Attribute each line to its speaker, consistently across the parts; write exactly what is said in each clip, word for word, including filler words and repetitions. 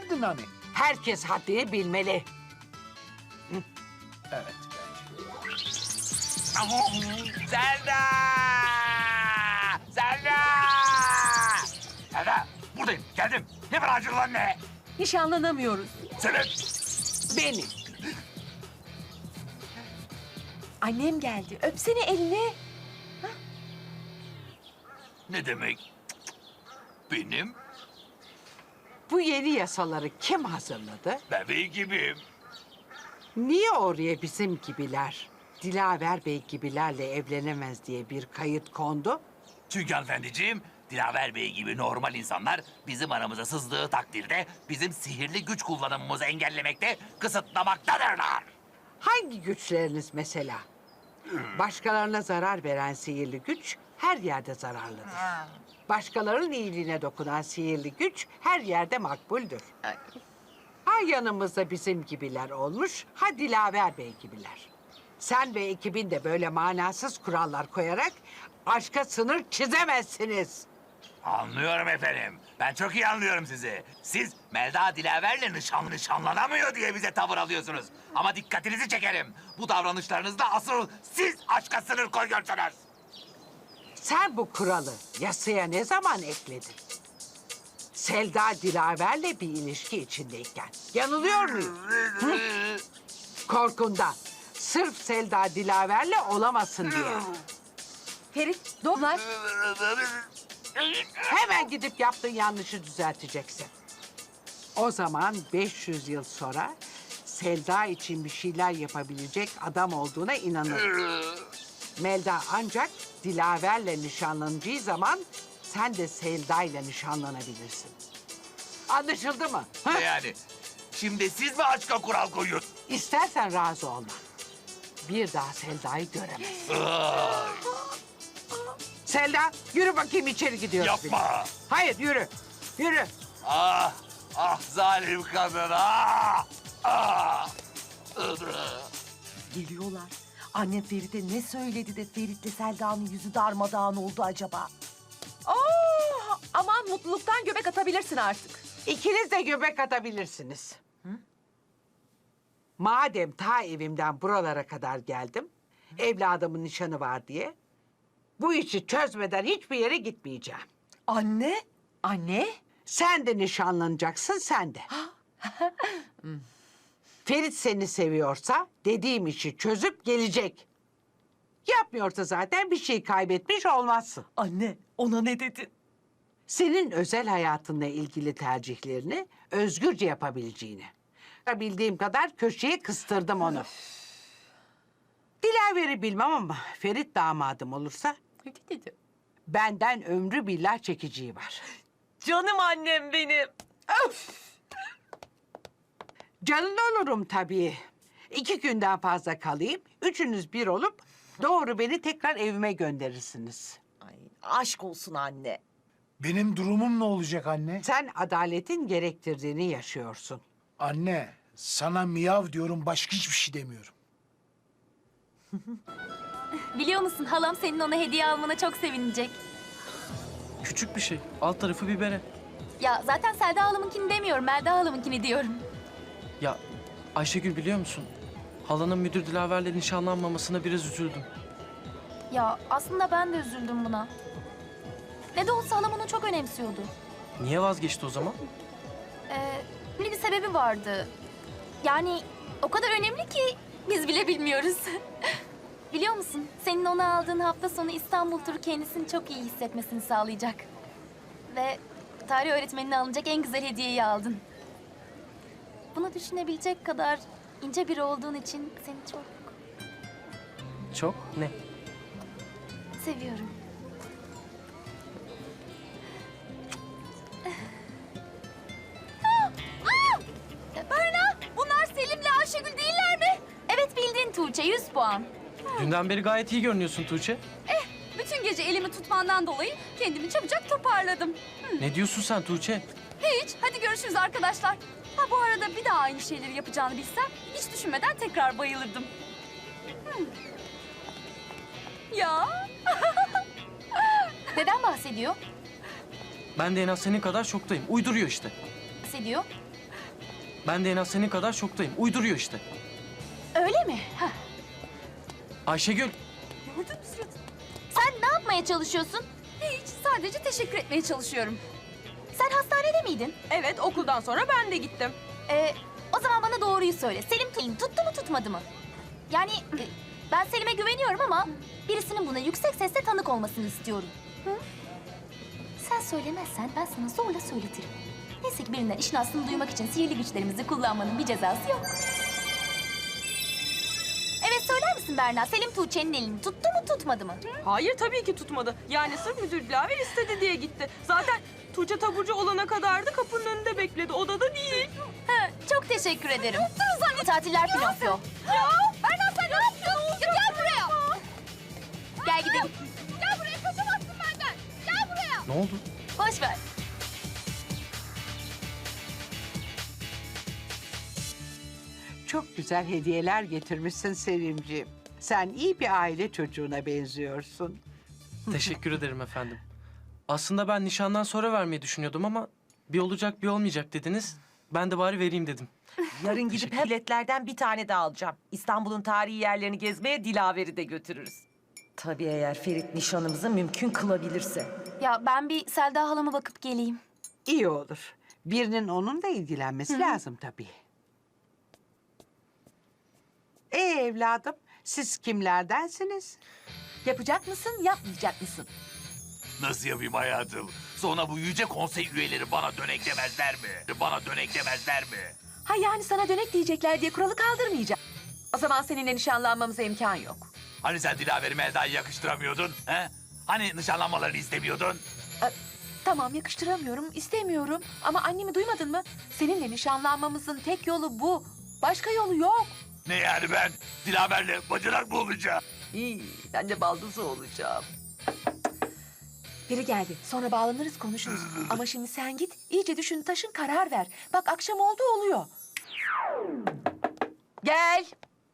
Speaker 1: derdin hani?
Speaker 2: Herkes haddini bilmeli.
Speaker 1: Evet.
Speaker 3: Zelda! Zelda! Zelda! Buradayım, geldim. Ne var acil lan ne?
Speaker 4: Nişanlanamıyoruz.
Speaker 3: Sebep?
Speaker 2: Benim.
Speaker 4: Annem geldi. Öpsene elini.
Speaker 3: Ne demek? Benim
Speaker 2: Bu yeni yasaları kim hazırladı?
Speaker 3: bebeği gibiyim.
Speaker 2: Niye oraya bizim gibiler, Dilaver Bey gibilerle evlenemez diye bir kayıt kondu?
Speaker 3: Çünkü hanımefendiciğim, Dilaver Bey gibi normal insanlar bizim aramıza sızdığı takdirde bizim sihirli güç kullanımımızı engellemekte, kısıtlamaktadırlar.
Speaker 2: Hangi güçleriniz mesela? Başkalarına zarar veren sihirli güç her yerde zararlıdır. Başkalarının iyiliğine dokunan sihirli güç her yerde makbuldür. Ha yanımızda bizim gibiler olmuş, ha Dilaver Bey gibiler. Sen ve ekibin de böyle manasız kurallar koyarak aşka sınır çizemezsiniz.
Speaker 3: Anlıyorum efendim. Ben çok iyi anlıyorum sizi. Siz Melda Dilaver'le nişanlı nişanlanamıyor diye bize tavır alıyorsunuz. Ama dikkatinizi çekerim. Bu davranışlarınızda asıl siz aşka sınır koyuyorsunuz.
Speaker 2: Sen bu kuralı yasaya ne zaman ekledin? Selda Dilaver'le bir ilişki içindeyken. Yanılıyor muyum? Hı? Korkundan. Sırf Selda Dilaver'le olamasın diye.
Speaker 4: Ferit, Domlar.
Speaker 2: Hemen gidip yaptığın yanlışı düzelteceksin. O zaman beş yüz yıl sonra Selda için bir şeyler yapabilecek adam olduğuna inanırım. Melda ancak Dilaver'le nişanlanacağı zaman sen de Selda'yla nişanlanabilirsin. Anlaşıldı mı? Ha?
Speaker 3: Yani şimdi siz mi aşka kural koyuyorsunuz?
Speaker 2: İstersen razı olma. Bir daha Selda'yı göremezsin.
Speaker 3: Ay,
Speaker 2: Selda yürü bakayım içeri gidiyoruz. biz.
Speaker 3: yapma.
Speaker 2: Hayır yürü. Yürü.
Speaker 3: Ah, ah zalim kadın, ah, ah.
Speaker 4: Geliyorlar. Annem Ferit'e ne söyledi de Ferit'le Selda'nın yüzü darmadağın oldu acaba? Oh, aman mutluluktan göbek atabilirsin artık.
Speaker 2: İkiniz de göbek atabilirsiniz. Madem ta evimden buralara kadar geldim, evladımın nişanı var diye, bu işi çözmeden hiçbir yere gitmeyeceğim.
Speaker 4: Anne, anne.
Speaker 2: Sen de nişanlanacaksın, sen de. Ferit seni seviyorsa dediğim işi çözüp gelecek. Yapmıyorsa zaten bir şey kaybetmiş olmazsın.
Speaker 4: Anne, ona ne dedin?
Speaker 2: Senin özel hayatınla ilgili tercihlerini özgürce yapabileceğini. Bildiğim kadar köşeye kıstırdım onu. Dilaver'i bilmem ama Ferit damadım olursa
Speaker 4: Ne dedi?
Speaker 2: benden ömrü billah çekiciği var.
Speaker 4: Canım annem benim.
Speaker 2: Canın olurum tabii. İki günden fazla kalayım, üçünüz bir olup doğru beni tekrar evime gönderirsiniz.
Speaker 4: Ay, aşk olsun anne.
Speaker 1: Benim durumum ne olacak anne?
Speaker 2: Sen adaletin gerektirdiğini yaşıyorsun.
Speaker 1: Anne, sana miyav diyorum, başka hiçbir şey demiyorum.
Speaker 5: Biliyor musun halam senin ona hediye almana çok sevinecek.
Speaker 6: Küçük bir şey. Alt tarafı bir bere.
Speaker 5: Ya zaten Selda halamınkini demiyorum, Melda halamınkini diyorum.
Speaker 6: Ya Ayşegül biliyor musun? Halanın müdür Dilaver'le nişanlanmamasına biraz üzüldüm.
Speaker 5: Ya aslında ben de üzüldüm buna. Ne de olsa halam onu çok önemsiyordu.
Speaker 6: Niye vazgeçti o zaman?
Speaker 5: Ee, bir sebebi vardı. Yani o kadar önemli ki biz bile bilmiyoruz. Biliyor musun? Senin ona aldığın hafta sonu İstanbul turu kendisini çok iyi hissetmesini sağlayacak. Ve tarih öğretmenine alınacak en güzel hediyeyi aldın. Bunu düşünebilecek kadar ince biri olduğun için seni çok
Speaker 6: Çok ne?
Speaker 5: seviyorum. Aa! Aa! Berna, bunlar Selim'le Ayşegül değiller mi? Evet bildin Tuğçe, yüz puan.
Speaker 6: Dünden beri gayet iyi görünüyorsun Tuğçe.
Speaker 5: Bütün gece elimi tutmandan dolayı kendimi çabucak toparladım.
Speaker 6: Ne diyorsun sen Tuğçe?
Speaker 5: Hiç, hadi görüşürüz arkadaşlar. Ha bu arada bir daha aynı şeyleri yapacağını bilsem hiç düşünmeden tekrar bayılırdım. Hmm. Ya. Neden bahsediyor?
Speaker 6: Ben de en az senin kadar şoktayım. Uyduruyor işte.
Speaker 5: Bahsediyor.
Speaker 6: Ben de en az senin kadar şoktayım. Uyduruyor işte.
Speaker 5: Öyle mi? Hah.
Speaker 6: Ayşegül,
Speaker 4: Gördün mü suratını?
Speaker 5: Sen ne yapmaya çalışıyorsun?
Speaker 4: Hiç, sadece teşekkür etmeye çalışıyorum.
Speaker 5: Sen hastanede miydin?
Speaker 4: Evet, okuldan sonra ben de gittim.
Speaker 5: Ee, o zaman bana doğruyu söyle. Selim tu- tuttu mu tutmadı mı? Yani e, ben Selim'e güveniyorum ama birisinin buna yüksek sesle tanık olmasını istiyorum. Hı? Sen söylemezsen ben sana zorla söyletirim. Neyse ki birinden işin aslını duymak için sihirli güçlerimizi kullanmanın bir cezası yok. Evet, söyler misin Berna? Selim Tuğçe'nin elini tuttu mu tutmadı mı?
Speaker 4: Hayır, tabii ki tutmadı. Yani sırf müdür Dilaver istedi diye gitti. Zaten Tuğçe taburcu olana kadar da kapının önünde bekledi. Odada değil.
Speaker 5: Ha, çok teşekkür ederim. Tatiller Pinokyo.
Speaker 4: Ya Berna sen ne yapıyorsun?
Speaker 5: Gel buraya. Gel gidelim. Gel buraya, kaçamazsın benden. Gel buraya.
Speaker 6: ne oldu?
Speaker 5: Boş ver.
Speaker 2: Çok güzel hediyeler getirmişsin Selimciğim. Sen iyi bir aile çocuğuna benziyorsun.
Speaker 6: Teşekkür ederim efendim. Aslında ben nişandan sonra vermeyi düşünüyordum ama bir olacak bir olmayacak dediniz. Ben de bari vereyim dedim.
Speaker 7: Yarın gidip
Speaker 6: Teşekkür-
Speaker 7: her biletlerden bir tane daha alacağım. İstanbul'un tarihi yerlerini gezmeye Dilaver'i de götürürüz. Tabii eğer Ferit nişanımızı mümkün kılabilirse.
Speaker 5: Ya ben bir Selda halama bakıp geleyim.
Speaker 2: İyi olur. Birinin onunla ilgilenmesi lazım tabii. Ee evladım, siz kimlerdensiniz?
Speaker 4: Yapacak mısın, yapmayacak mısın?
Speaker 3: Nasıl yapayım hayatım? Sonra bu yüce konsey üyeleri bana dönek demezler mi? Bana dönek demezler mi?
Speaker 4: Ha yani sana dönek diyecekler diye kuralı kaldırmayacağım. O zaman seninle nişanlanmamıza imkan yok.
Speaker 3: Hani sen Dilaver'i Melda'yı yakıştıramıyordun? He? Hani nişanlanmalarını istemiyordun?
Speaker 4: Tamam, yakıştıramıyorum, istemiyorum. Ama annemi duymadın mı? Seninle nişanlanmamızın tek yolu bu. Başka yolu yok.
Speaker 3: Ne yani ben Dilaver'le bacanak mı olacağım?
Speaker 7: İyi, ben de baldızı olacağım.
Speaker 4: Biri geldi. Sonra bağlanırız, konuşuruz. Ama şimdi sen git, iyice düşün, taşın, karar ver. Bak akşam oldu oluyor. Gel.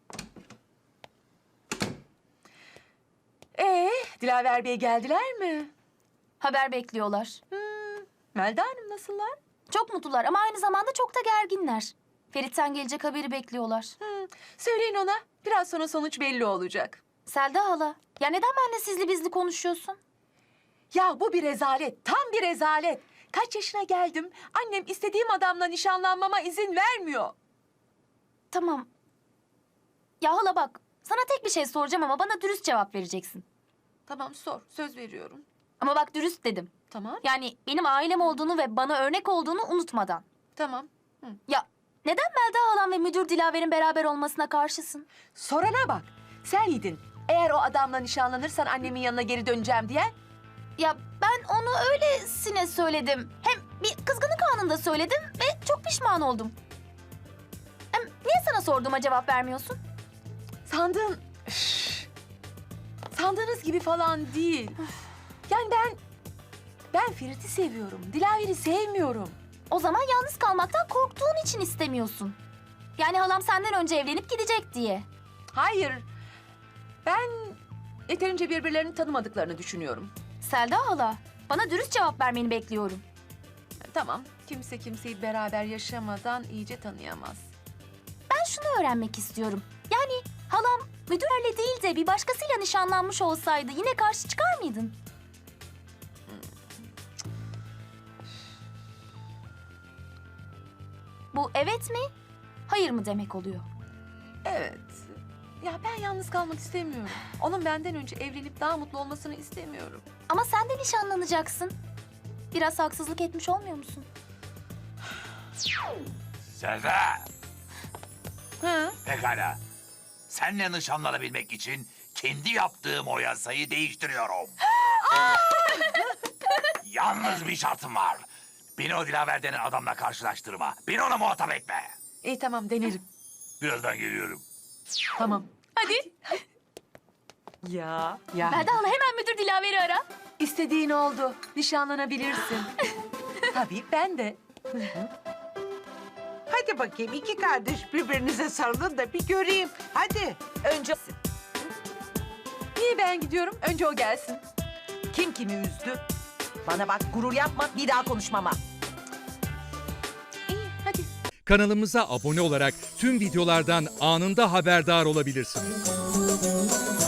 Speaker 4: Ee, Dilaver Bey geldiler mi?
Speaker 5: Haber bekliyorlar.
Speaker 4: Melda Hanım nasıllar?
Speaker 5: Çok mutlular ama aynı zamanda çok da gerginler. Ferit'ten gelecek haberi bekliyorlar.
Speaker 4: Hı, söyleyin ona. Biraz sonra sonuç belli olacak.
Speaker 5: Selda hala, ya neden benimle sizli bizli konuşuyorsun?
Speaker 4: Ya bu bir rezalet, tam bir rezalet. Kaç yaşına geldim, annem istediğim adamla nişanlanmama izin vermiyor.
Speaker 5: Tamam. Ya hala bak, sana tek bir şey soracağım ama bana dürüst cevap vereceksin.
Speaker 4: Tamam sor, söz veriyorum.
Speaker 5: Ama bak dürüst dedim.
Speaker 4: Tamam,
Speaker 5: Yani benim ailem olduğunu ve bana örnek olduğunu unutmadan.
Speaker 4: tamam.
Speaker 5: Ya neden Melda halam ve müdür Dilaver'in beraber olmasına karşısın?
Speaker 4: Sorana bak, sen yedin. Eğer o adamla nişanlanırsan annemin yanına geri döneceğim diye.
Speaker 5: Ya ben onu öylesine söyledim. Hem bir kızgınlık anında söyledim ve çok pişman oldum. Hem niye sana sorduğuma cevap vermiyorsun?
Speaker 4: Sandığın... Üf. Sandığınız gibi falan değil. Yani ben... Ben Ferit'i seviyorum, Dilaver'i sevmiyorum.
Speaker 5: O zaman yalnız kalmaktan korktuğun için istemiyorsun. Yani halam senden önce evlenip gidecek diye.
Speaker 4: Hayır, ben yeterince birbirlerini tanımadıklarını düşünüyorum.
Speaker 5: Selda hala, bana dürüst cevap vermeni bekliyorum.
Speaker 4: Tamam, kimse kimseyi beraber yaşamadan iyice tanıyamaz.
Speaker 5: Ben şunu öğrenmek istiyorum. Yani halam müdürle değil de bir başkasıyla nişanlanmış olsaydı yine karşı çıkar mıydın? Bu evet mi, hayır mı demek oluyor?
Speaker 4: Evet. Ya ben yalnız kalmak istemiyorum. Onun benden önce evlenip daha mutlu olmasını istemiyorum.
Speaker 5: Ama sen de nişanlanacaksın. Biraz haksızlık etmiş olmuyor musun?
Speaker 3: Selda!
Speaker 4: Ha?
Speaker 3: Pekala. Seninle nişanlanabilmek için kendi yaptığım o yasayı değiştiriyorum. Yalnız bir şartım var. Beni o Dilaver denen adamla karşılaştırma. Beni ona muhatap etme.
Speaker 4: İyi tamam denerim.
Speaker 3: Birazdan geliyorum.
Speaker 4: Tamam.
Speaker 5: Hadi.
Speaker 7: Ya.
Speaker 2: Ya
Speaker 5: Melda hala hemen müdür Dilaver'i ara.
Speaker 4: İstediğin oldu. Nişanlanabilirsin. Tabii ben de.
Speaker 2: hadi bakayım iki kardeş birbirinize sarılın da bir göreyim. Hadi.
Speaker 7: Önce
Speaker 4: Niye ben gidiyorum? Önce o gelsin.
Speaker 7: kim kimi üzdü? Bana bak, gurur yapma, bir daha konuşmama.
Speaker 4: İyi hadi.
Speaker 8: Kanalımıza abone olarak tüm videolardan anında haberdar olabilirsiniz.